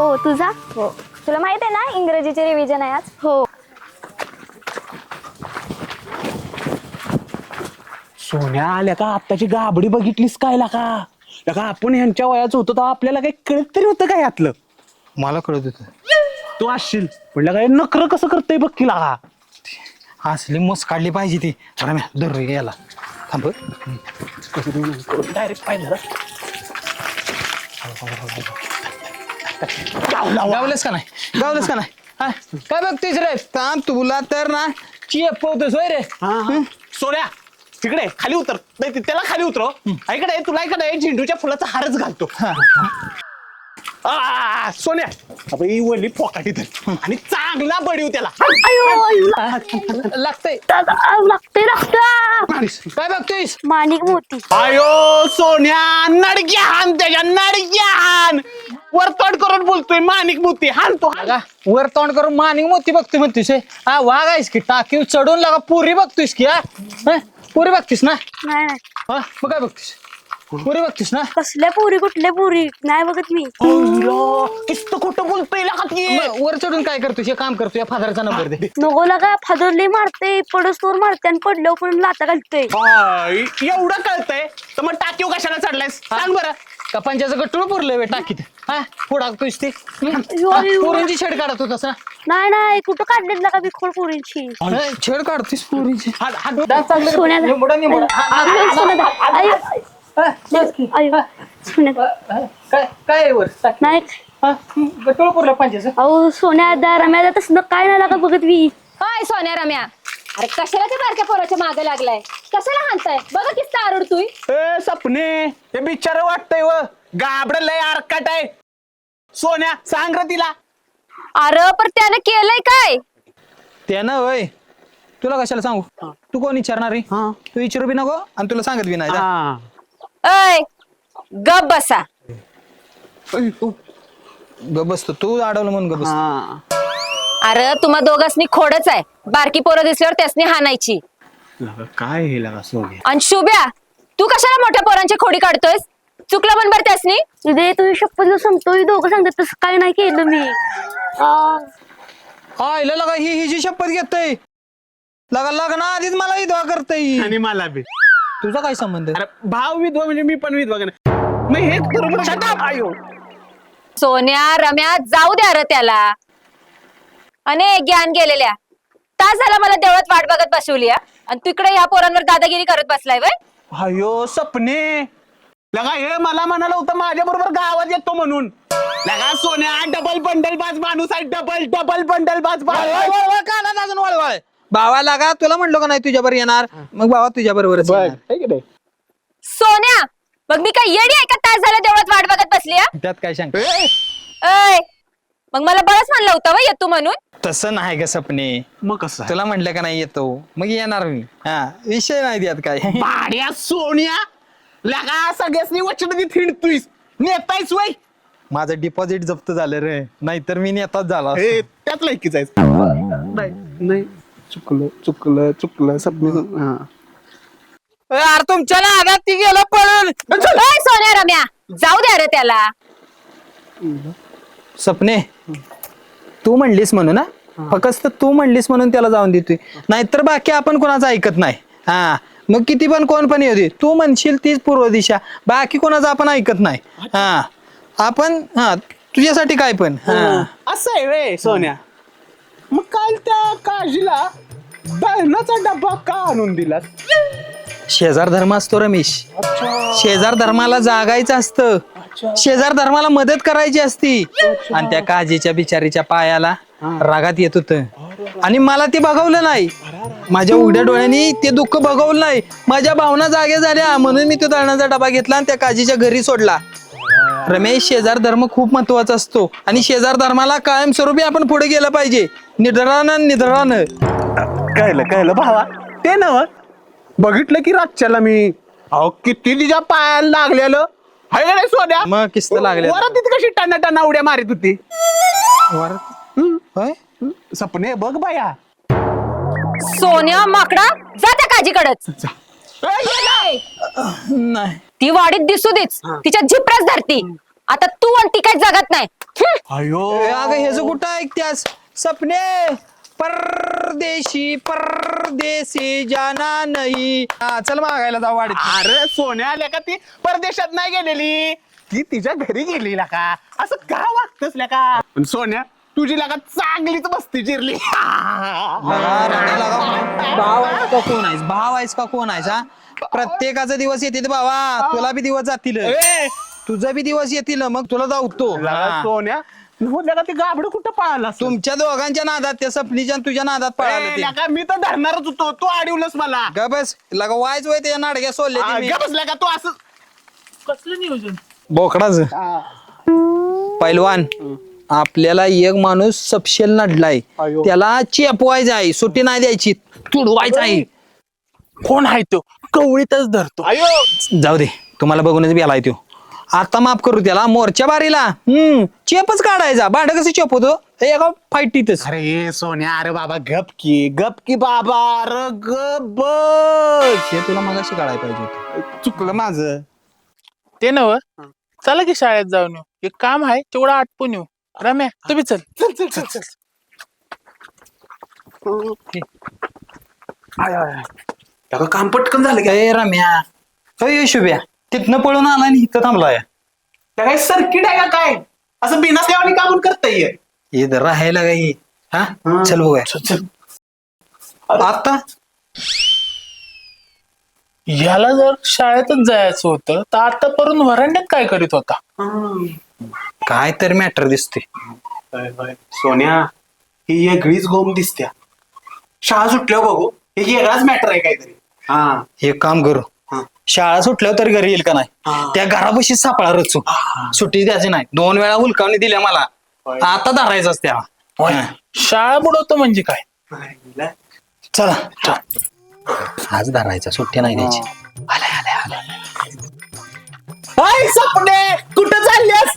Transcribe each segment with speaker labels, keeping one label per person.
Speaker 1: हो तुझा?
Speaker 2: हो. तुला माहित आहे ना इंग्रजीचे रिव्हिजन आहे आज?
Speaker 1: हो.
Speaker 3: सोन्या आल्या का आत्ताची गाबडी बघितलीस काय का आपण ह्यांच्या वयाचं होतो तर आपल्याला काही कळत तरी होतं का यातलं.
Speaker 4: मला कळत होत
Speaker 3: तू असशील म्हणलं काय नखरं कसं करतंय बघ की लागा.
Speaker 4: असली मस काढली पाहिजे ती रम्या धर रे याला थांब
Speaker 3: डायरेक्ट पाहिजे
Speaker 4: गावलंस का नाही गावलंस का नाही हा? काय बघतोयस रे थांब तुला तर ना चिपवतोस होय रे
Speaker 3: सोन्या तिकडे खाली उतर नाही त्याला खाली उतरव. ऐकडे तुला इकडे झेंडूच्या फुलाचा हारच घालतो. सोन्या आपण ही वळली फोकाटी धर आणि चांगला बडीव त्याला.
Speaker 4: लागतंय
Speaker 1: लागतंय
Speaker 4: काय बघतोयस
Speaker 1: माणिक मोती.
Speaker 3: आयो सोन्या नडक्या हान त्याच्या नडक्या हान वरतोड करून बोलतोय माणिक मोती हान तो हान.
Speaker 4: लागा, वर तोंड करून मानिंग मोती बघतोय म्हणतोस हे? हा वाघ आहेस की टाकीव चढून लागा पुरी बघतोयस की हा हा? पुरी बघतीस ना
Speaker 1: नाही नाही
Speaker 4: हा मग काय बघतीस पुरी बघतीस ना
Speaker 1: कसल्या पुरी कुठल्या पुरी नाही बघत मी.
Speaker 3: किस्त खोटं बोलतोय
Speaker 4: मग वर चढून काय करतोस हे काम करतोय फादरचा नंबर दे
Speaker 1: नको लागा फादरले मारते पडस्तोर मारते आणि पडल्यावर पण लाता घालतोय.
Speaker 3: एवढं कळतंय तर मग टाकीव कशाला चढलायस सांग बरं.
Speaker 4: का पंचाचं गट्टूळ पुरलंय बे टाकीत हा पुढाकतोयस ते
Speaker 1: अयो.
Speaker 4: पोरींची छेड काढत होतास ना
Speaker 1: नाही नाही कुठं काढलेत लागा बिखोड पुरींची.
Speaker 4: छेड काढतोस पोरींची
Speaker 1: सोन्या
Speaker 4: काय काय वर
Speaker 1: नाही
Speaker 4: गट्टूळ पुरलं पंचाचं
Speaker 1: अहो सोन्या रम्या तसं काय नाही लागा बघत मी.
Speaker 2: हाय सोन्या रम्या, अरे कशाला त्या बारक्या पोराच्या मागे लागलाय? कशाला हाणताय? बघा किस्ता आरडतोय.
Speaker 3: सपने हे बिचार वाटतंय व गाबड लय आरकाट आहे. सोन्या सांग र तिला.
Speaker 2: अरे पण त्यानं केलंय काय?
Speaker 4: त्यानं होय तुला कशाला सांगू तू कोण विचारणार रे तू विचारू बी नको आणि तुला सांगत बी नाही जा.
Speaker 2: अय गप बसा.
Speaker 4: ग बसतो तू अडवलं म्हणून ग बस
Speaker 2: अरे तुम्हा दोघांनी खोडच आहे. बारकी पोरं दिसल्यावर त्यासनी हाणायची.
Speaker 3: काय हे लागा सोन्या.
Speaker 2: आणि शुभ्या तू कशाला मोठ्या पोरांची खोडी काढतोयस? चुकलं पण बरं त्यासनी.
Speaker 1: उदय तुझी शपथ सांगतो दोघं सांगतात तसं काय नाही केलं मी.
Speaker 4: आईला लगा ही जी शपथ घेतय लगा लग्न आधीच मला विधवा करतय
Speaker 3: आणि मला बी.
Speaker 4: तुझा काय संबंध
Speaker 3: अरे भाव विधवा म्हणजे मी पण विधवा का नाही? मग हे बरोबर आयो.
Speaker 2: सोन्या रम्या जाऊ द्या रे त्याला. अनेक ज्ञान गेलेल्या तास झाला मला देवळात वाट बघत बसवली आणि तिकडे या पोरांवर दादागिरी करत बसलाय वय.
Speaker 3: अयो सपने लगा हे मला म्हणाला होतं माझ्या बरोबर गावात येतो म्हणून. लगा सोन्या डबल बंडल बाज माणूस आहे. डबल बंडल बाज
Speaker 4: अजून वळवळ भावा लागा तुला म्हणलो का नाही तुझ्यावर येणार मग भावा तुझ्या बरोबरच येणार.
Speaker 2: सोन्या मग मी काय येडी आहे का? तास झाला देवळात वाट बघत बसली.
Speaker 4: त्यात काय सांग
Speaker 2: अय मग मला बरंच म्हणलं होतं वय येतो म्हणून.
Speaker 4: तसं नाही ग सपने
Speaker 3: मग कसं
Speaker 4: तुला म्हटलं का नाही येतो मग येणार मी हा विषय नाही त्यात काय
Speaker 3: भाड्या सोन्या लगा सगळ्यासनी वचन थिंडतोयस नेतायस वय.
Speaker 4: माझं डिपॉझिट जप्त झालं रे नाहीतर मी नेताच झाला असतो.
Speaker 3: हे त्यात लायकी जायचं नाही. चुकलं सपने.
Speaker 4: यार तुमच्या नादात ती गेलं पळून
Speaker 2: अय सोन्या रम्या जाऊ द्या रे त्याला.
Speaker 4: सपने तू म्हणलीस म्हणून ना फक्त तू म्हणलीस म्हणून त्याला जाऊन देतोय नाहीतर बाकी आपण कोणाचं ऐकत नाही. हा मग किती पण कोण पण येऊ दे तू म्हणशील तीच पूर्व दिशा बाकी कोणाचं आपण ऐकत नाही. हा आपण हा तुझ्यासाठी काय पण
Speaker 3: असं आहे वे सोन्या. मग काल त्या काळजीला दळणाचा डब्बा का आणून दिला?
Speaker 4: शेजार धर्म असतो रमेश. शेजार धर्माला जागायचं असतं शेजार धर्माला मदत करायची असती आणि त्या काजीच्या बिचारीच्या पायाला रागात येत होत आणि मला ते बघवलं नाही. माझ्या उघड्या डोळ्यांनी ते दुःख बघवलं नाही. माझ्या भावना जागे झाल्या म्हणून मी तो दळणाचा डबा घेतला आणि त्या काजीच्या घरी सोडला. रमेश शेजार धर्म खूप महत्वाचा असतो आणि शेजार धर्माला कायमस्वरूपी आपण पुढे गेलं पाहिजे निधरानं.
Speaker 3: कळलं भावा ते नव बघितलं की रातच्याला मी अहो किती तिच्या पायाला लागलेलं हाय का नाही सोन्या.
Speaker 4: मग किस्त लागले
Speaker 3: वरात तिथे कशी टना उड्या मारित होती. सपने बघ बाया.
Speaker 2: सोन्या माकडा जा त्या काजीकडच.
Speaker 4: नाही
Speaker 2: ती वाडीत दिसू देच तिच्या झिपराच धरती. आता तू आणि ती काय जगत नाही.
Speaker 3: अयो
Speaker 4: अगं हे जो कुठं ऐकत्यास सपने परदेशी परदेशी जाना नाही चल मागायला जाऊ वाडीत.
Speaker 3: अरे सोन्या आल्या का ती परदेशात नाही गेलेली, ती तिच्या घरी गेली का. असं का वागतस का. पण सोन्या तुझी लागा चांगलीच बसती चिरली.
Speaker 4: लगा, रडा लगा. भाव आहेस का कोण आहेस, भाव आहेस का कोण आहेस हा. प्रत्येकाचा दिवस येते बाबा, तुला बी दिवस जातील,
Speaker 3: ए,
Speaker 4: तुझा बी दिवस येतील, मग तुला जाऊतो.
Speaker 3: लगा सोन्या लगा ते गाबड कुठं पळाला
Speaker 4: तुमच्या दोघांच्या नादात, त्या सपनीच्या आणि तुझ्या नादात पळालं ते.
Speaker 3: लगा मी तर धरणारच होतो, तू अडवलंस मला.
Speaker 4: ग बस लगा वायच वय त्याच्या नाडक्या सोडले
Speaker 3: बसल्या का तू असं
Speaker 5: कसलं नियोजन?
Speaker 4: बोकडाच. पैलवान आपल्याला एक माणूस सपशेल नडलाय,
Speaker 3: अयो.
Speaker 4: त्याला चेपवायचं आहे, सुट्टी नाही द्यायची, तुडवायचं आहे.
Speaker 5: कोण आहे तो? कवळीतच धरतो.
Speaker 3: अयो
Speaker 4: जाऊ दे, तुम्हाला बघूनच बेलाय तो. आता माफ करू त्याला, मोर्चा बारीला चेपच काढायचा. भांड कसं चेप होतो एका फाईटीतच.
Speaker 3: अरे सोन्या, अरे बाबा गप की बाबा, अरे गप बस.
Speaker 4: हे तुला मगाशी काढायला पाहिजे होतं.
Speaker 3: चुकलं माझं.
Speaker 5: ते नव चला की शाळेत जाऊन येऊ. एक काम आहे तेवढं आटपून येऊ. रम्या तुम्ही चल.
Speaker 3: चल चल चल चल. त्याला काम पटकन झालं का.
Speaker 4: ए रम्या, अय शुभ्या, तिथनं पळून आला आणि इथं थांबलाय.
Speaker 3: त्या काय सर्किट आहे का काय, असं बिनसल्यावानी काम करता येईल.
Speaker 4: इथं राहायला काही हा. चल बघूया.
Speaker 3: चल.
Speaker 4: आता
Speaker 5: याला जर शाळेतच जायचं होतं तर आता परून वरांड्यात काय करीत होता?
Speaker 4: काय तर मॅटर दिसते.
Speaker 3: सोन्या ही वेगळीच गोम दिसत्या. शाळा सुटल्यावर बघू, हे वेगळाच मॅटर आहे काहीतरी. हा
Speaker 4: हे काम करू, शाळा सुटल्यावर तरी घरी येईल का नाही, त्या घरापाशी सापळा रचू. सुट्टी द्यायची नाही, 2 वेळा हुलकावणी दिल्या मला, आता धरायचाच त्याला. हा.
Speaker 5: शाळा बुडवतो म्हणजे काय?
Speaker 4: चला आज धरायचा, सुट्टी नाही द्यायची. आलाय आलाय आलाय.
Speaker 3: हाय सपने, कुठं चालल्यास.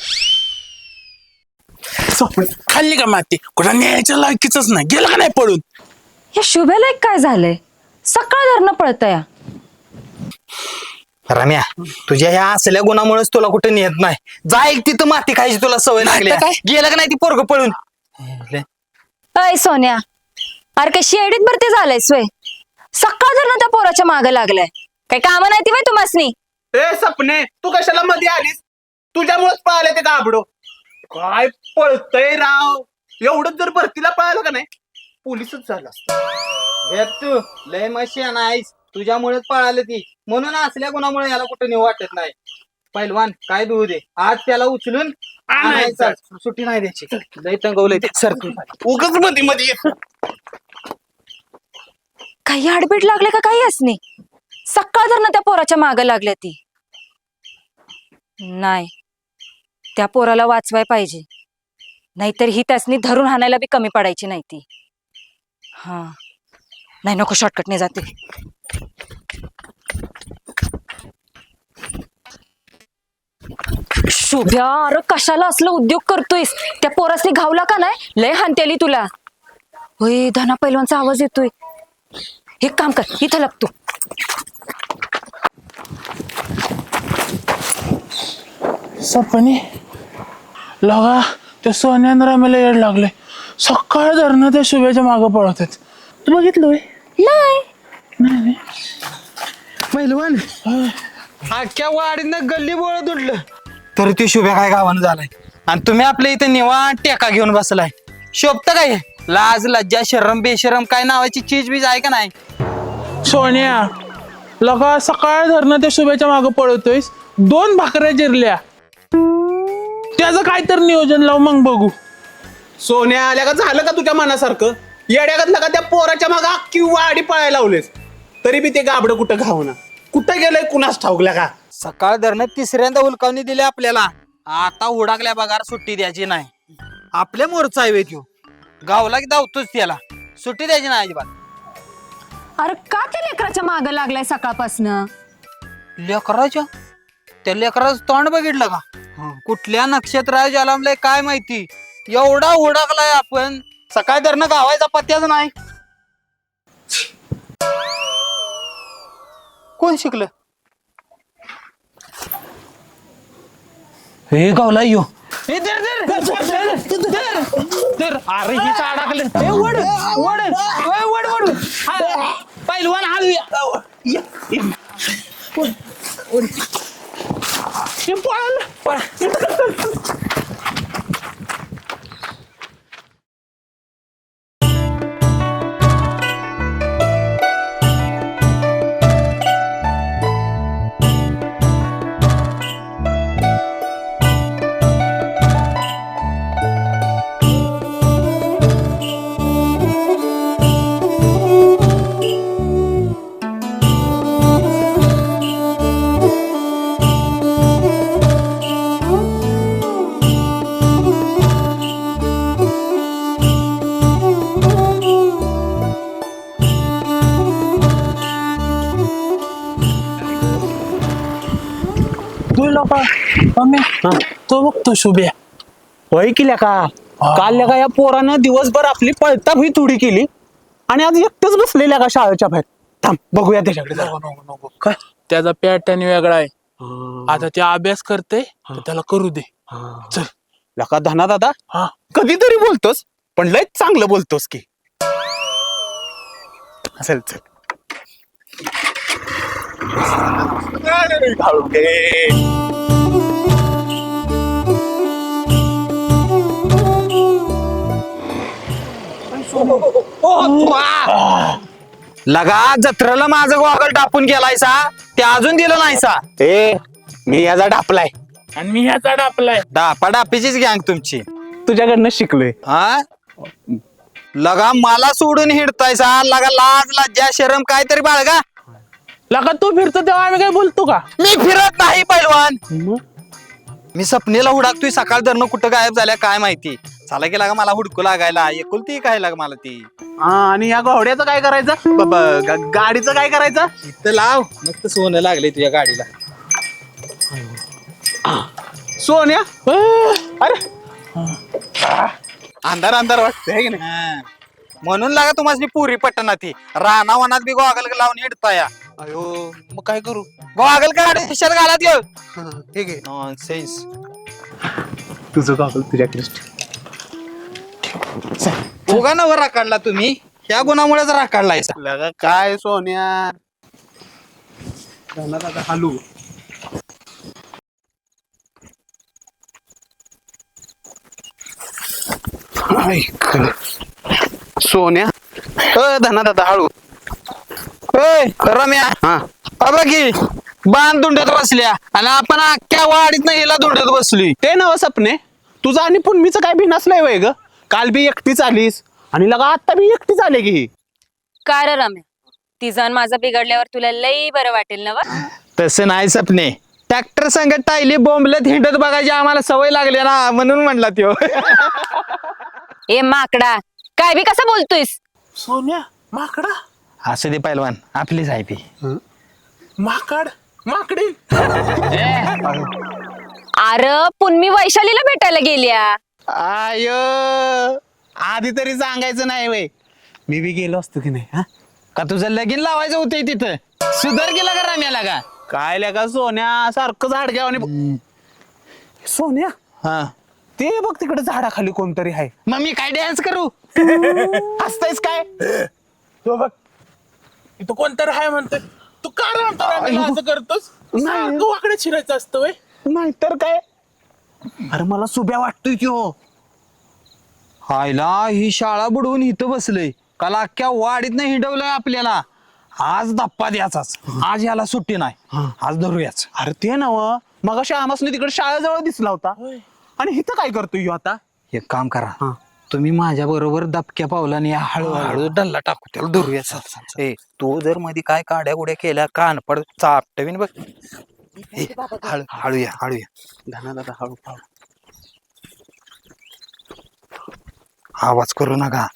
Speaker 5: खाल्ली का माती? कुठं न्यायच्या लायकीच नाही, गेला का नाही पळून?
Speaker 2: या शुभ्याला एक काय झालंय, सकाळ धरणं पळतया.
Speaker 4: रम्या, तुझ्या ह्या असल्या गुणामुळेच तुला कुठे नेत नाही. जा एक तिथं माती खायची तुला सवय लागली.
Speaker 5: आता काय?
Speaker 4: गेलं का नाही ती पोरग पळून.
Speaker 2: अय सोन्या, अरे काय शेडीत भरती झालंय सोय. सकाळ धरणं त्या पोराच्या मागे लागलाय. काय कामं नाही ती बाई तुम्हासनी.
Speaker 3: ए सपने, तू कशाला मध्ये आलीस. तुझ्यामुळेच पळाले ते गाबडो. काय पळतय राव. एवढंच जर भरतीला पळालं का नाही, पोलीसच झाला.
Speaker 4: तू लय मशी नाहीस, तुझ्यामुळेच पळाले ती, म्हणून असल्या गुणामुळे याला कुठे नेऊ वाटत नाही. पैलवान काय देऊ दे, आज त्याला उचलून आणायचं. सुट्टी नाही द्यायची. लय तंगवलंय ते. सर तू
Speaker 3: उगच मध्ये मध्ये
Speaker 2: काही आडबीड लागले का काही असणे. सकाळ धरणं त्या पोराच्या मागे लागल्या ती. नाही, त्या पोराला वाचवाय पाहिजे, नाहीतर ही त्यासनी धरून हाणायला बी कमी पडायची नाही ती. हा नाही, नको शॉर्टकटने जाते. शुभ्या, अरे कशाला असलं उद्योग करतोयस. त्या पोरासनी घावला का नाही, लय हानतेली तुला. होय, धना पैलवानचा आवाज येतोय. एक काम कर, इथं लागतो.
Speaker 5: सपने लगा त्या सोन्यानं रम्याला येड लागले. सकाळ धरणं त्या शुभ्याच्या मागं पळत आहेत. तू बघितलं होय? नाही.
Speaker 4: पैलवान अख्ख्या वाडीनं गल्ली बोळत उडलं तर ती शुभ्या काय गावानं झालाय, आणि तुम्ही आपल्या इथे निवांत टेका घेऊन बसलाय. शोभत काय, लाज लज्जा शरम बेशरम काय नावाची चीज बीज आहे का नाही.
Speaker 5: सोन्या लगा सकाळ धरणं त्या शुभ्याच्या मागं पळतोयस. 2 भाकऱ्या जिरल्या. त्याचं काय तर नियोजन लाव, मग बघू.
Speaker 3: सोन्या आल्या का झालं का तुझ्या मनासारखं. येड्यागतला का त्या पोराच्या मागं अख्खी वाडी पळायला लावलेस, तरी बी ते गाबडं कुठं घावना. कुठं गेलंय कुणास ठाऊकल्या का.
Speaker 4: सकाळ धरणं 3ऱ्यांदा हुलकावणी दिली आपल्याला. आता हुडाकल्या बघार सुट्टी द्यायची नाही. आपल्या मोरचा आहे त्यो, गावला की धावतोच त्याला, सुट्टी द्यायची नाही अजिबात.
Speaker 2: अरे का त्या लेकराच्या मागं लागलाय सकाळपासनं.
Speaker 4: लेकराच्या, त्या लेकराचं तोंड बघितलं का, कुठल्या नक्षत्रात जन्मलंय काय माहिती. एवढा हुडाकलाय आपण, सकाळ धरणं गावायचा पत्त्याच नाही. कोण शिकलं. हे गावला यो हे धर.
Speaker 3: अरे ही अडकले.
Speaker 4: हे वड वड ओय, वड वड हा, पहिलवान हळूया.
Speaker 3: हे पळालं.
Speaker 5: तू लोक तो बघतो शुभ्या
Speaker 3: होय केल्या का काल का या पोरानं दिवसभर आपली पळता ही थोडी केली आणि आज एकटंच बसलेल्या का शाळेच्या बाहेर. थांब बघूया त्याच्याकडे जरा.
Speaker 5: नको काय त्याचा पॅटर्न वेगळा आहे. आता ते अभ्यास करते तर त्याला करू दे. चल
Speaker 3: लका धना दादा
Speaker 5: हा
Speaker 3: कधीतरी बोलतोस पण लय चांगलं बोलतोस की. चल चल.
Speaker 4: लगा जत्रेला माझं गॉगल टापून गेलायसा ते अजून दिलं नाहीसा.
Speaker 3: ए मी याचा डापलाय.
Speaker 5: आणि मी ह्याचा डापलाय.
Speaker 4: डापा डापीचीच गँग तुमची.
Speaker 3: तुझ्याकडनं शिकलोय.
Speaker 4: हा लगा मला सोडून हिडतायसा. लगा लाज लज्जा शरम काहीतरी बाळगा.
Speaker 5: लगा तू फिरतो तेव्हा आम्ही काय बोलतो का?
Speaker 4: मी फिरत नाही पैलवान. मी सपनेला हुडाकतोय सकाळ धरणं कुठं गायब झाल्या काय माहिती. चाला की लागा मला हुडकू लागायला एकुलती काय लाग मला ती.
Speaker 3: आणि या घोड्याचं काय करायचं गाडीचं काय करायचं.
Speaker 4: इथं लाव मस्त सोनं लागले तुझ्या गाडीला.
Speaker 3: सोन्या अरे अंधार अंधार वाटतंय की नाही.
Speaker 4: हा. म्हणून लागा तुम्हाला पुरी पटना ती राणा वनात बी गॉगल लावून हिडताया.
Speaker 3: अयो मग काय करू.
Speaker 4: गॉगल काढ खिशात घालात येऊ.
Speaker 3: ठीक आहे
Speaker 4: नॉनसेन्स.
Speaker 3: तुझं कागल तुझ्याकडे.
Speaker 4: उगा नवर राखाडला तुम्ही ह्या गुणामुळेच राखाडलाय.
Speaker 3: लगा काय सोन्या दादा हालू. सोन्या धना दादा हळू.
Speaker 4: रम्या
Speaker 3: हा
Speaker 4: बघी बांध धुंडत बसल्या आणि आपण अख्ख्या वाडीत हिला धुंडत बसली.
Speaker 3: ते नव सपने तुझं आणि पुन्मीचं काय बी नसलंय वय ग. काल बी एकटीच आलीस आणि लगा आता बी एकटीच आले की.
Speaker 2: काय रे रम्या तिचा माझं बिघडल्यावर तुला लई बरं वाटेल ना वा?
Speaker 4: तसं नाही सपने. ट्रॅक्टर संगत टायली बोंबलत हिंडत बघायची आम्हाला सवय लागली ना म्हणून म्हणला त्यो.
Speaker 2: ए माकडा काय बी कसं बोलतोयस.
Speaker 5: सोन्या माकडा
Speaker 4: असं दे पैलवान आपलीच आहे ती.
Speaker 5: माकड माकडी.
Speaker 2: अरे पुन्मी वैशालीला भेटायला गेल्या.
Speaker 3: आय आधी तरी सांगायचं नाही वय. मी बी गेलो असतो की नाही. हा
Speaker 4: का तुझं लगीन लावायचं होतंय तिथं सुधार केला का रम्याला का.
Speaker 3: काय लगा सोन्या सारखं झाड घ्या आणि सोन्या
Speaker 4: हा
Speaker 3: ते बघ तिकडे झाडाखाली कोणतरी आहे.
Speaker 4: मग मी काय डान्स करू.
Speaker 3: हसतायस काय.
Speaker 5: तो बघ इथं कोणतरी आहे म्हणतोय. तू का रे म्हणतो आम्हाला असं करतोस. सारखं वाकडे शिरायचं असतं वय.
Speaker 3: नाही तर काय. अरे मला सुब्या वाटतोय की हो.
Speaker 4: हायला ही शाळा बुडवून इथं बसलंय काल अख्ख्या वाडीत नाही हिंडवलंय आपल्याला. आज धप्पा द्याचाच. आज याला सुट्टी नाही. आज धरूयाच.
Speaker 3: अरे ते नव मग आमासने तिकडे शाळेजवळ दिसला होता आणि इथं काय करतोय ह्यो आता.
Speaker 4: एक काम करा तुम्ही माझ्या बरोबर दबक्या पावलाने हळूहळू डल्ला टाकू त्याला धरूया. ए तू जर मध्ये काय काड्या गुड्या केल्या कान पड चापटवीन बघ. हळूया हळूया.
Speaker 3: धना दादा हळू हळू.
Speaker 4: आवाज करू नका.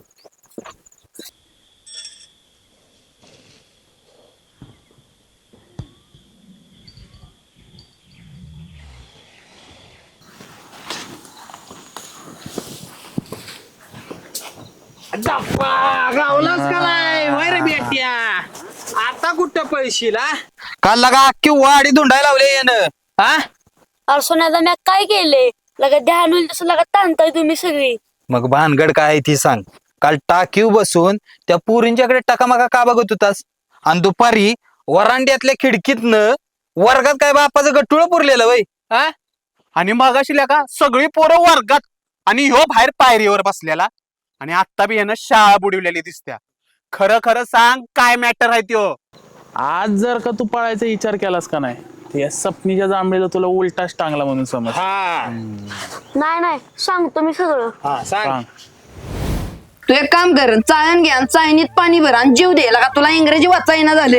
Speaker 4: गावलाच का नाही वय रे बेट्या. आता कुठं पैशीला काल लगा अख्खी वाडी धुंडायला लावले यानं. हा
Speaker 1: अरे सोन्याचा मी काय केले. लगा ध्यान होईल तसं लगा ताणताय तुम्ही सगळी.
Speaker 4: मग भानगड काय आहे ती सांग. काल टाकीव बसून त्या पुरींच्याकडे टकामका का बघत होतास आणि दुपारी वरांड्यातल्या खिडकीतनं वर्गात काय बापाचं गट्टुळ पुरलेलं वय. हा
Speaker 3: आणि मगाशी का सगळी पोरं वर्गात आणि ह्यो बाहेर पायरीवर बसलेला आणि आत्ता बी यानं शाळा बुडवलेली दिसत्या. खरं खरं सांग काय मॅटर आहे त्यो.
Speaker 5: आज जर का तू पळायचा विचार केलास का नाही तर या सपनीच्या जांभळीला तुला उलटाच टांगला म्हणून समज.
Speaker 1: नाही सांगतो मी सगळं.
Speaker 5: सांग.
Speaker 6: तू एक काम कर, चाळण घ्या, चाळणीत पाणी भर आणि जीव दे. का तुला इंग्रजी वाचा येईना झाले.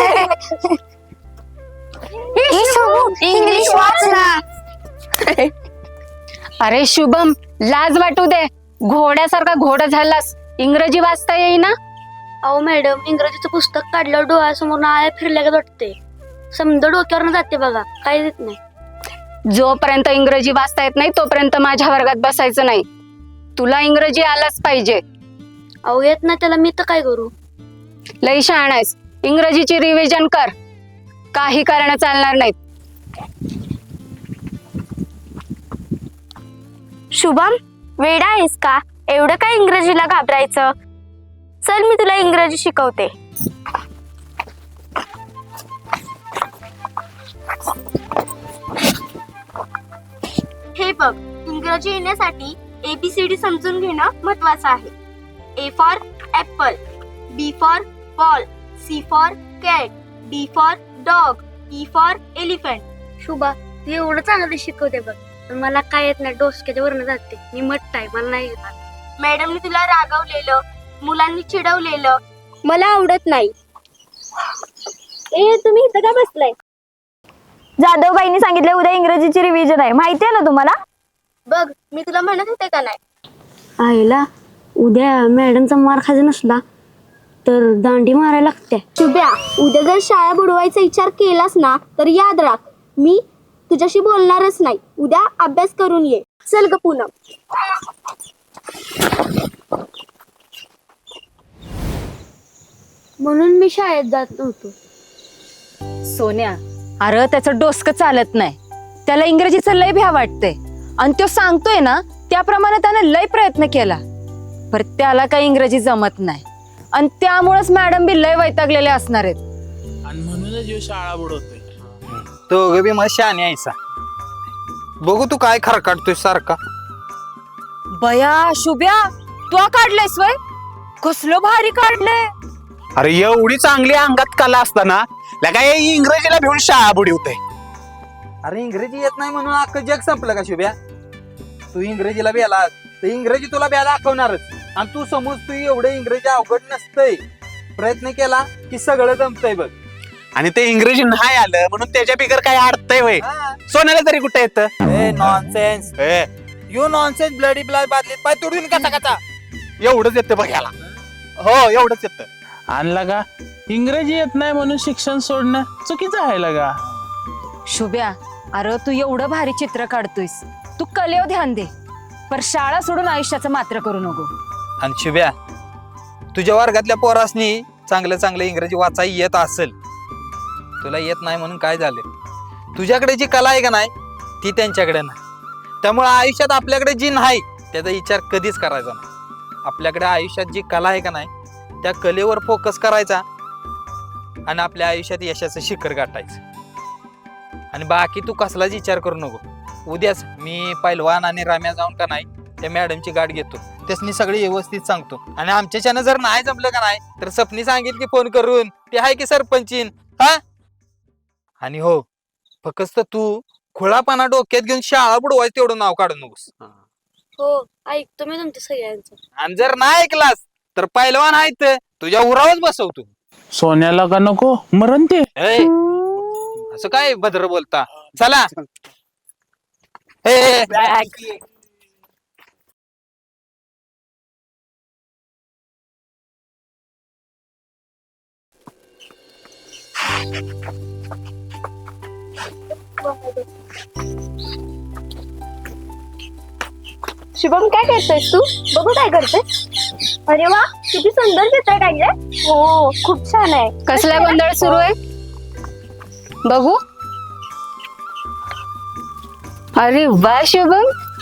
Speaker 6: इंग्लिश वाच ना.
Speaker 2: अरे शुभम, लाज वाटू दे. घोड्यासारखा घोडा झालास, इंग्रजी वाचता येईना.
Speaker 1: अहो मॅडम, इंग्रजीचं पुस्तक काढल्यावर डोळ्यासमोर आळ्या फिरल्या वाटते. समजा डोक्यावर जाते बघा, काय देत नाही.
Speaker 2: जोपर्यंत इंग्रजी वाचता येत नाही तोपर्यंत माझ्या वर्गात बसायचं नाही. तुला इंग्रजी आलाच पाहिजे.
Speaker 1: अहो येत नाही त्याला मी तर काय करू.
Speaker 2: लई शहाणा आहेस. इंग्रजीची रिव्हिजन कर. काही कारण चालणार नाहीत.
Speaker 1: शुभम, वेडा आहेस का? एवढं काय इंग्रजीला घाबरायचं. चल मी तुला इंग्रजी शिकवते. हे बघ, इंग्रजी येण्यासाठी ABCD समजून घेणं महत्वाचं आहे. A for apple, B for ball, C for cat, D for dog, E for elephant. Shubha, तू एवढं चांगलं शिकवते बघ, पण मला काय येत नाही. डोसक्याच्या वरनं जाते. मी मट्ट आहे, मला नाही येत. मॅडमने तुला रागवलेलं, मुलांनी चिडवलेलं मला आवडत नाही. ए, तुम्ही इथं का बसलाय?
Speaker 7: जाधवबाईंनी सांगितलं उद्या इंग्रजीची रिव्हिजन आहे, माहिती आहे ना तुम्हाला?
Speaker 1: बघ, मी तुला म्हणत होते का नाही. आईला उद्या मॅडमचा मार खायचा नसला तर दांडी मारायला लागते.
Speaker 7: शुभ्या, उद्या जर शाळा बुडवायचा विचार केलास ना तर याद राख, मी तुझ्याशी बोलणारच नाही. उद्या अभ्यास करून ये. चल ग पूनम.
Speaker 1: म्हणून मी शाळेत जात नव्हतो.
Speaker 2: सोन्या, अरे त्याचं डोसकं चालत नाही. त्याला इंग्रजीचं लय भ्या वाटतंय आणि तो सांगतोय ना त्याप्रमाणे त्याने लय प्रयत्न केला, पर त्याला काही इंग्रजी जमत नाही आणि त्यामुळेच मॅडम बी लय वैतागलेले असणार आहेत.
Speaker 5: आणि म्हणूनच ह्यो शाळा बुडवतोय.
Speaker 4: तो बी मला शाने आयसा. बघू तू काय खरं काढतोय सारखा.
Speaker 2: बया शुभ्या, तू काढलेस वय? कसलं भारी काढलंय.
Speaker 3: अरे एवढी चांगली अंगात कला असताना काय इंग्रजीला भिवून शाळा बुडवते.
Speaker 4: अरे इंग्रजी येत नाही म्हणून अख्खं जग संपलं का शुभ्या? तू इंग्रजीला बेलास तर इंग्रजी तुला ब्या दाखवणारच. आणि तू समज तू एवढं इंग्रजी अवघड नसतंय, प्रयत्न केला की सगळं जमतंय बघ.
Speaker 3: आणि ते इंग्रजी नाही आलं म्हणून त्याच्या बिगर काय अडतंय वय. सोन्याला तरी कुठे येतं.
Speaker 4: Nonsense, you nonsense, bloody blood बादलीत पाय तोडून कसा कसा.
Speaker 3: एवढंच येतं बघायला. हो, एवढंच येतं.
Speaker 5: आणला का इंग्रजी येत नाही म्हणून शिक्षण सोडणं चुकीचं आहे लगा.
Speaker 2: शुभ्या, अरे तू एवढं भारी चित्र काढतोयस, तू कलेवर ध्यान दे, पर शाळा सोडून आयुष्याचं मात्र करू नको.
Speaker 4: आणि शुभ्या, तुझ्या वर्गातल्या पोरासनी चांगलं चांगलं इंग्रजी वाचाय येत असेल, तुला येत नाही म्हणून काय झालं? तुझ्याकडे जी कला आहे का नाही ती त्यांच्याकडे नाही. त्यामुळे आयुष्यात आपल्याकडे जी नाही त्याचा विचार कधीच करायचा नाही. आपल्याकडे आयुष्यात जी कला आहे का नाही त्या कलेवर फोकस करायचा आणि आपल्या आयुष्यात यशाचं शिखर गाठायचं. आणि बाकी तू कसलाच विचार करू नको. उद्याच मी पैलवान आणि राम्या जाऊन का नाही त्या मॅडमची गाठ घेतो, त्यासनी सगळी व्यवस्थित सांगतो. आणि आमच्याच्यानं जर नाही जमलं का नाही तर सपनी सांगेल की फोन करून, ते आहे की सरपंचीन. हा, आणि हो, फक्त तू खुळापणा डोक्यात घेऊन शाळा बुडवायचं तेवढं नाव काढू नकोस.
Speaker 1: हो, ऐकतो मी तुमच्या सगळ्यांचं.
Speaker 4: आणि जर नाही ऐकलास तर पैलवान आहेत तुझ्या उरावच बसवतो.
Speaker 5: सोन्याला का नको मरण ते.
Speaker 4: असं काय भद्र बोलता. चला. ए,
Speaker 7: शुभम, काय करतोयस तू? बघू काय करते. अरे वा, किती सुंदर चित्र काढलंय. हो, खूप छान आहे.
Speaker 2: कसला गोंधळ सुरू आहे बघू. अरे वा शुभम,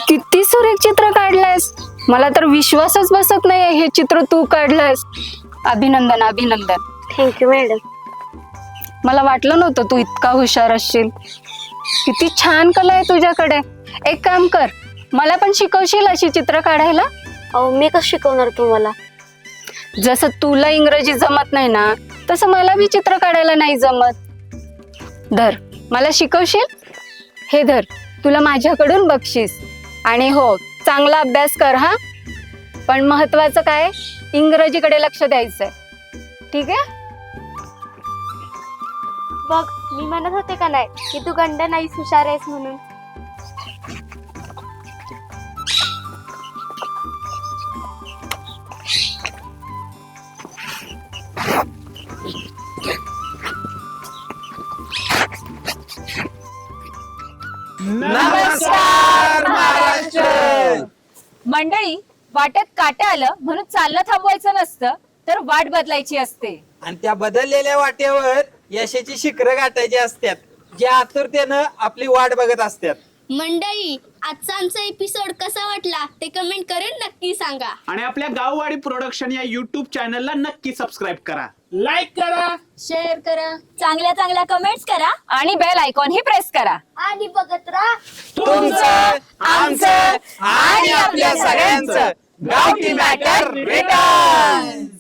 Speaker 2: किती सुरेख चित्र काढलंयस. मला तर विश्वासच बसत नाहीये हे चित्र तू काढलंयस. अभिनंदन अभिनंदन.
Speaker 1: Thank you madam.
Speaker 2: मला वाटलं नव्हतं तू इतका हुशार असशील. किती छान कला आहे तुझ्याकडे. एक काम कर, मला पण शिकवशील अशी चित्र काढायला?
Speaker 1: अहो मी कसं शिकवणार तुम्हाला?
Speaker 2: जसं तुला इंग्रजी जमत नाही ना, तसं मला बी चित्र काढायला नाही जमत. धर, मला शिकवशील? हे धर, तुला माझ्याकडून बक्षीस. आणि हो, चांगला अभ्यास कर हा. पण महत्वाचं काय, इंग्रजीकडे लक्ष द्यायचंय. ठीक आहे?
Speaker 1: बघ मी म्हणत होते का नाही की तू गंड नाहीस, हुशार आहेस म्हणून.
Speaker 3: नमस्कार महाराष्ट्र.
Speaker 2: मंडळी, वाटेत काटे आलं म्हणून चालणं थांबवायचं नसतं, तर वाट बदलायची असते.
Speaker 4: आणि त्या बदललेल्या वाटेवर यशाची शिखरं गाठायची असतात, जे आतुरतेनं आपली वाट बघत असतात.
Speaker 7: मंडळी, आजचा आमचा एपिसोड कसा वाटला ते कमेंट करून नक्की सांगा.
Speaker 3: आणि आपल्या गाववाडी प्रोडक्शन या युट्यूब चॅनलला नक्की सबस्क्राईब करा.
Speaker 5: लाईक करा.
Speaker 2: शेअर करा
Speaker 7: चांगल्या चांगल्या कमेंट्स करा
Speaker 2: आणि बेल आयकॉन ही प्रेस करा.
Speaker 7: आणि बघत राहा
Speaker 4: तुमचं, आमचं आणि आपल्या सगळ्यांचं गावठी मॅटर रिटर्न.